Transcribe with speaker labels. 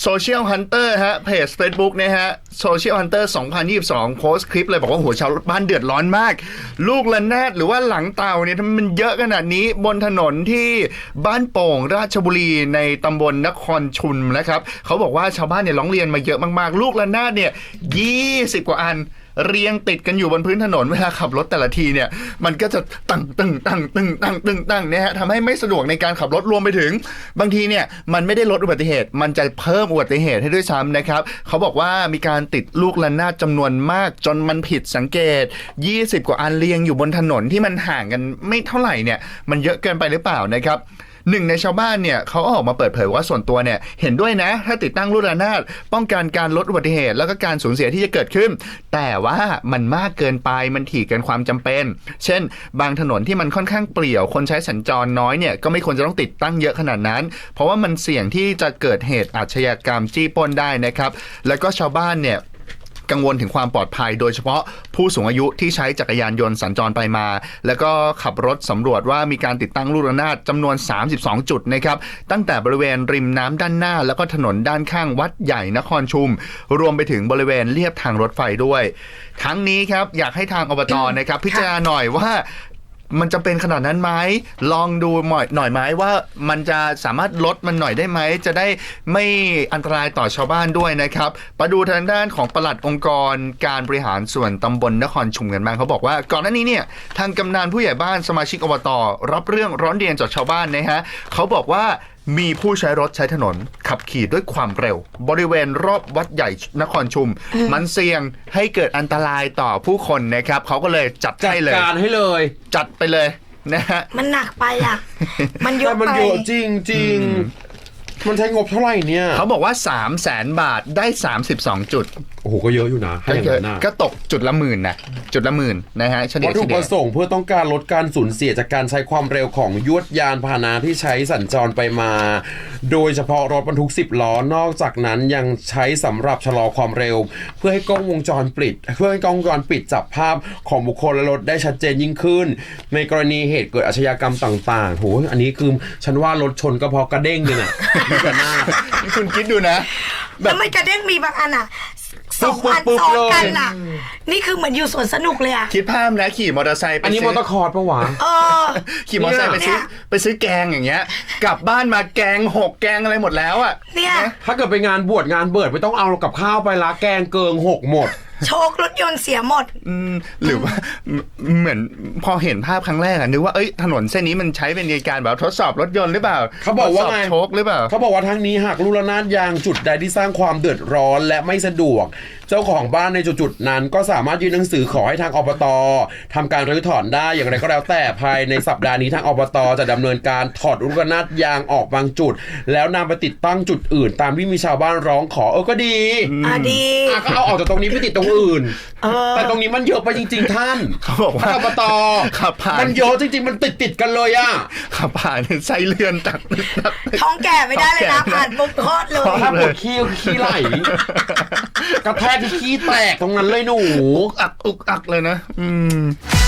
Speaker 1: Social Hunter ฮะเพจ Facebook นะฮะ Social Hunter 2022 โพสต์คลิปเลยบอกว่าโหชาวบ้านเดือดร้อนมากลูกระนาดหรือว่าหลังเต่าเนี่ยทำไมมันเยอะขนาดนี้บนถนนที่บ้านโป่งราชบุรีในตำบลนครชุมนะครับเขาบอกว่าชาวบ้านเนี่ยร้องเรียนมาเยอะมากๆลูกระนาดเนี่ย20 กว่าอันเรียงติดกันอยู่บนพื้นถนนเวลาขับรถแต่ละทีเนี่ยมันก็จะตั้งเนี่ยฮะทำให้ไม่สะดวกในการขับรถรวมไปถึงบางทีเนี่ยมันไม่ได้ลดอุบัติเหตุมันจะเพิ่มอุบัติเหตุให้ด้วยซ้ำนะครับเขาบอกว่ามีการติดลูกระนาดจำนวนมากจนมันผิดสังเกต20 กว่าอันเรียงอยู่บนถนนที่มันห่างกันไม่เท่าไหร่เนี่ยมันเยอะเกินไปหรือเปล่านะครับหนึ่งในชาวบ้านเนี่ยเขาออกมาเปิดเผยว่าส่วนตัวเนี่ยเห็นด้วยนะถ้าติดตั้งลูกระนาดป้องกันการลดอุบัติเหตุแล้วก็การสูญเสียที่จะเกิดขึ้นแต่ว่ามันมากเกินไปมันถี่เกินความจำเป็นเช่นบางถนนที่มันค่อนข้างเปลี่ยวคนใช้สัญจรน้อยเนี่ยก็ไม่ควรจะต้องติดตั้งเยอะขนาดนั้นเพราะว่ามันเสี่ยงที่จะเกิดเหตุอาชญากรรมจี้ปล้นได้นะครับแล้วก็ชาวบ้านเนี่ยกังวลถึงความปลอดภัยโดยเฉพาะผู้สูงอายุที่ใช้จักรยานยนต์สัญจรไปมาแล้วก็ขับรถสำรวจว่ามีการติดตั้งลูกระนาดจำนวน32 จุดนะครับตั้งแต่บริเวณริมน้ำด้านหน้าแล้วก็ถนนด้านข้างวัดใหญ่นครชุมรวมไปถึงบริเวณเลียบทางรถไฟด้วยทั้งนี้ครับอยากให้ทางอบต.นะครับพิจารณาหน่อยว่ามันจะเป็นขนาดนั้นไหมลองดูหน่อยไหมว่ามันจะสามารถลดมันหน่อยได้ไหมจะได้ไม่อันตรายต่อชาวบ้านด้วยนะครับมาดูทางด้านของปลัดองค์กรการบริหารส่วนตำบลนครชุมกันบ้างเขาบอกว่าก่อนหน้านี้เนี่ยทางกำนันผู้ใหญ่บ้านสมาชิกอบต.รับเรื่องร้อนเรียนจากชาวบ้านนะฮะเขาบอกว่ามีผู้ใช้รถใช้ถนนขับขี่ด้วยความเร็วบริเวณรอบวัดใหญ่นครชุมมันเสี่ยงให้เกิดอันตรายต่อผู้คนนะครับเขาก็เลยจัดการให้เลยจัดไปเลยนะฮะ
Speaker 2: มันหนักไปอ่ะมันเยอะไป
Speaker 3: มันเยอะจริงมันใช้งบเท่าไหร่เนี่ย
Speaker 1: เขาบอกว่า 300,000 บาทได้32 จุด
Speaker 3: โอ้โหก็เยอะอยู่นะให้อย่างนั้น
Speaker 1: ก็ตกจุดละ10,000นะจุดละ10,000นะฮะเฉลี่ย
Speaker 3: วัตถุประสงค์เพื่อต้องการลดการสูญเสียจากการใช้ความเร็วของยวดยานพาหนะที่ใช้สัญจรไปมาโดยเฉพาะรถบรรทุก10 ล้อนอกจากนั้นยังใช้สำหรับชะลอความเร็วเพื่อให้กล้องวงจรปิดจับภาพของบุคคลและรถได้ชัดเจนยิ่งขึ้นในกรณีเหตุเกิดอาชญากรรมต่างๆโหอันนี้คือฉันว่ารถชนก็พอกระเด้งเลยน่ะมีกระนา
Speaker 1: คุณคิดดูนะ
Speaker 2: แล้วไม่กระเด้งมีบางอันอ่ะ2 อันซ้อนกันอ่ะนี่คือเหมือนอยู่สวนสนุกเลยอ่ะ
Speaker 1: คิดภาพนะขี่มอเตอร์ไซค์
Speaker 3: อันนี้มอเตอร์คอร์ดปะวะ
Speaker 1: ขี่มอเตอร์ไซค์ไปซื้อแกงอย่างเงี้ยกลับบ้านมาแกง6แกงอะไรหมดแล้วอ่ะ
Speaker 2: เนี่ย
Speaker 3: ถ้าเกิดไปงานบวชงานเบิดไม่ต้องเอากับข้าวไปละแกงเกิง6หมด
Speaker 2: โชครถยนต์เสียหมด
Speaker 1: หรือว่าเหมือนพอเห็นภาพครั้งแรกนึกว่าถนนเส้นนี้มันใช้เป็นการแบบทดสอบรถยนต์หรือเปล่า
Speaker 3: เขาบอกว่าไง
Speaker 1: โชคหรือเปล่า
Speaker 3: เขาบอกว่าทั้งนี้หากลูกระนาดยางจุดใดที่สร้างความเดือดร้อนและไม่สะดวกเจ้าของบ้านในจุดนั้นก็สามารถยื่นหนังสือขอให้ทางอบต.ทำการรื้อถอนได้อย่างไรก็แล้วแต่ภายในสัปดาห์นี้ทางอบต.จะดำเนินการถอดลูกระนาดยางออกบางจุดแล้วนำไปติดตั้งจุดอื่นตามที่มีชาวบ้านร้องขอก็ดี
Speaker 2: ดี
Speaker 3: ก็เอาออกจากตรงนี้ไปติดตรงอื่นแต่ตรงนี้มันเยอะไปจริงๆท่าน
Speaker 1: เขาบอกว่า
Speaker 3: อบต.มันเยอะจริงๆมันติดกันเลยอ่ะ
Speaker 1: ขับผ่านไส้เลื่อนตัก
Speaker 2: ท้องแก่ไม่ได้เลยนะผ่านปุ๊บคลอดเลย
Speaker 3: ถ้าปวดขี้ไหลกระแทกขี้แตกตรงนั้นเลยหนู
Speaker 1: อุกอักเลยนะ